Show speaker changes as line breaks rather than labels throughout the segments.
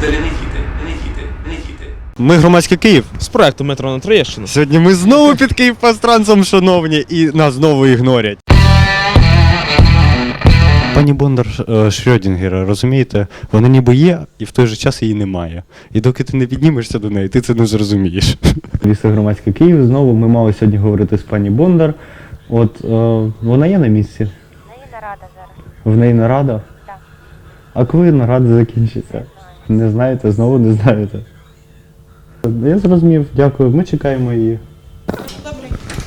Далі не їде.
Ми громадський Київ.
З проекту метро на Троєщину.
Сьогодні ми знову під Київпастрансом, шановні, і нас знову ігнорять. Пані Бондар Шрёдінгера, розумієте, вона ніби є, і в той же час її немає. І доки ти не піднімешся до неї, ти це не зрозумієш. Віса громадський Київ, знову ми мали сьогодні говорити з пані Бондар. От вона є на місці?
В неї нарада зараз.
В неї нарада?
Так.
А коли нарада закінчиться? Не знаєте, знову не знаєте. Я зрозумів, дякую. Ми чекаємо її.
Добре.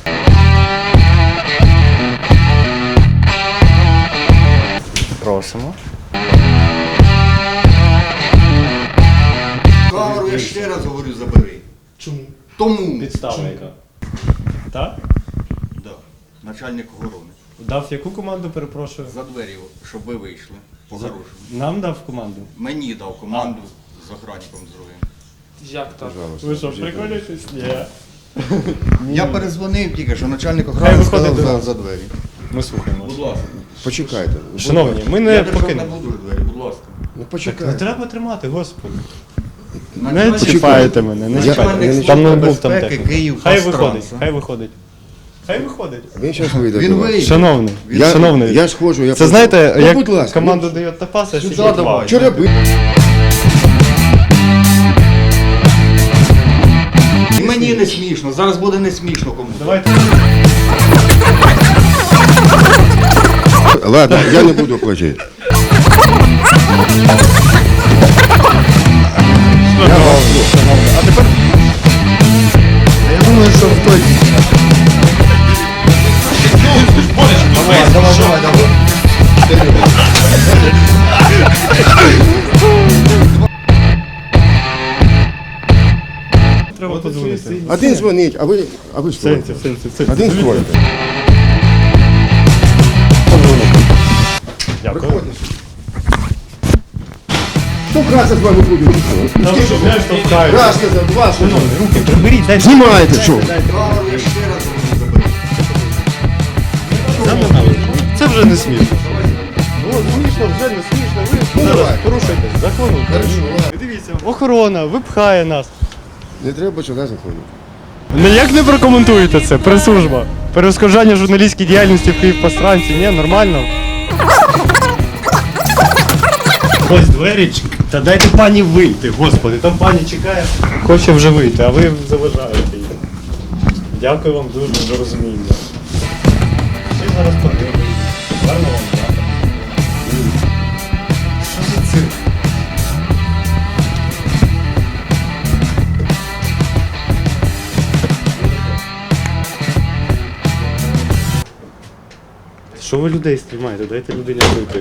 Просимо.
Камеру я ще раз говорю, забери.
Чому?
Тому.
Підстава яка? Так?
Да. Начальник охорони.
Дав яку команду, перепрошую?
За двері, щоб ви вийшли. По-хорошому.
Нам дав команду.
Мені дав команду з охранником другим.
Як так?
Ви що, приколюєтесь? Ні.
Я перезвонив тільки, що начальник
Хай
охорони
виходить
сказав
до нас.
за двері.
Ми слухаємо.
Будь ласка.
Почекайте.
Шановні, ми
Я
не
держав не
покинемо.
буду двері, будь ласка.
Ну
Не
почекайте.
треба тримати, господи. Не
Начальник-
чіпайте мене, не чіпайте.
Начальник
Там
Служби
ноутбук, там
безпеки
техніка.
Київ
Хай
Пастранс,
виходить,
а?
хай виходить. Хай виходить.
Він зараз вийде.
Він
до вас.
вийде.
Шановний,
Я- я схожу, я
Це
пойду.
знаєте,
Ну,
як
будь ласка,
команду дає Топаса,
Сюди
сидить
давай.
вам.
Вчора би...
І мені не смішно, зараз буде не смішно комусь.
Давайте.
Ладно, я не буду платити.
А тепер...
Я думаю, що в той... Давай.
Треба подзвонити.
Один дзвонить, а ви стоїте. Один стоїте.
Дякую.
Хто краса з вами буде?
Там що, знаєш, штовхають.
Раз сказав, два сказав.
Руки приберіть, дайте.
Знімаєте, що?
Камеру я ще раз говорю, забери.
Це вже не смішно. Ну, смішно, вже не смішно. Ви
Ну,
зараз
давай.
порушуєте закон України. Дивіться, охорона випхає нас.
Не треба сюди заходити.
Ніяк не прокоментуєте це, прес-служба. Перешкоджання журналістській діяльності в Київпастранці, ні, нормально. Ось двері, та дайте пані вийти, господи, там пані чекає. Хоче вже вийти, а ви заважаєте її. Дякую вам дуже за розуміння. Всі зараз подивимося. Гарно вам, так? Що за цирк? Що ви людей знімаєте? Дайте людині вийти.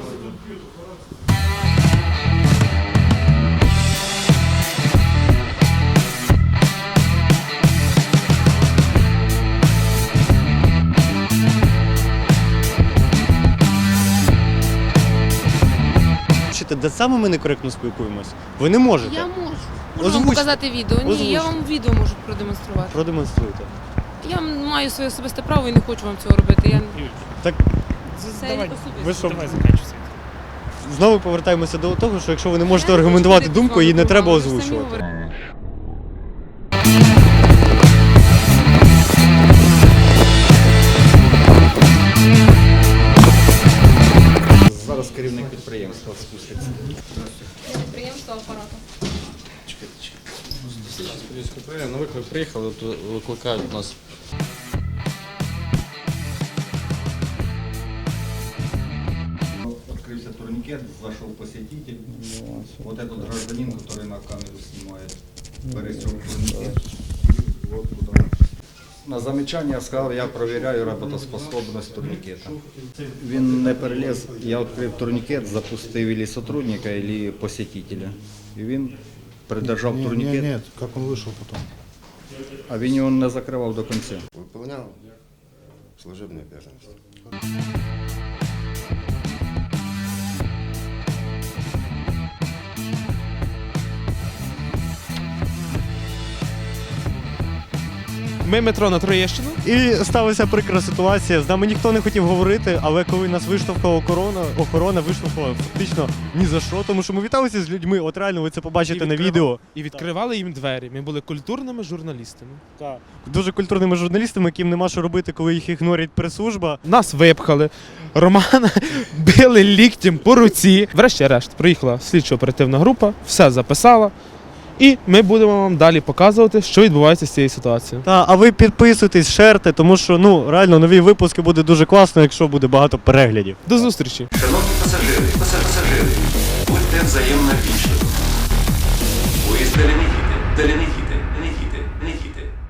Де саме ми некоректно спілкуємось? Ви не можете.
Я можу. Можу вам
Озвучте.
показати відео. Ні,
Озвучте.
я вам відео можу продемонструвати.
Продемонструйте.
Я маю своє особисте право і не хочу вам цього робити. Я
Так,
це
Давай.
особисто.
ви що,
Давай закінчуйся.
знову повертаємося до того, що якщо ви не можете
Я не
аргументувати
хочу
думку, її не
ходити з
треба
вами, ви самі
озвучувати.
говорите.
Зараз керівник підприємства спуститься.
Підприємство апарату.
На виклик приїхали, то викликають нас.
Открылся турникет, зашел посетитель. Вот этот гражданин, который на камеру снимает, пересек турникет. Вот куда. На замечання сказав, я перевіряю роботоспособність турнікета. Він не переліз, я відкрив турнікет, запустив или сотрудника, или посетителя. І він придержав турнікет,
Нет, как он вышел потом?
а він його не закривав до кінця.
Выполнял служебные обязанности.
Ми метро на Троєщину.
І сталася прикра ситуація. З нами ніхто не хотів говорити, але коли нас виштовхала охорона виштовхала фактично ні за що, тому що ми віталися з людьми. От реально ви це побачите на відео.
І відкривали їм двері. Ми були культурними журналістами.
Так. Дуже культурними журналістами, яким нема що робити, коли їх ігнорить прес-служба.
Нас випхали. Романа били ліктем по руці. Врешті-решт приїхала слідчо-оперативна група, все записала. І ми будемо вам далі показувати, що відбувається з цією ситуацією.
А ви підписуйтесь, шерте, тому що реально нові випуски буде дуже класно, якщо буде багато переглядів.
До зустрічі!
Шановні пасажири, будьте взаємно вічливі. Поїзд Теленігіти,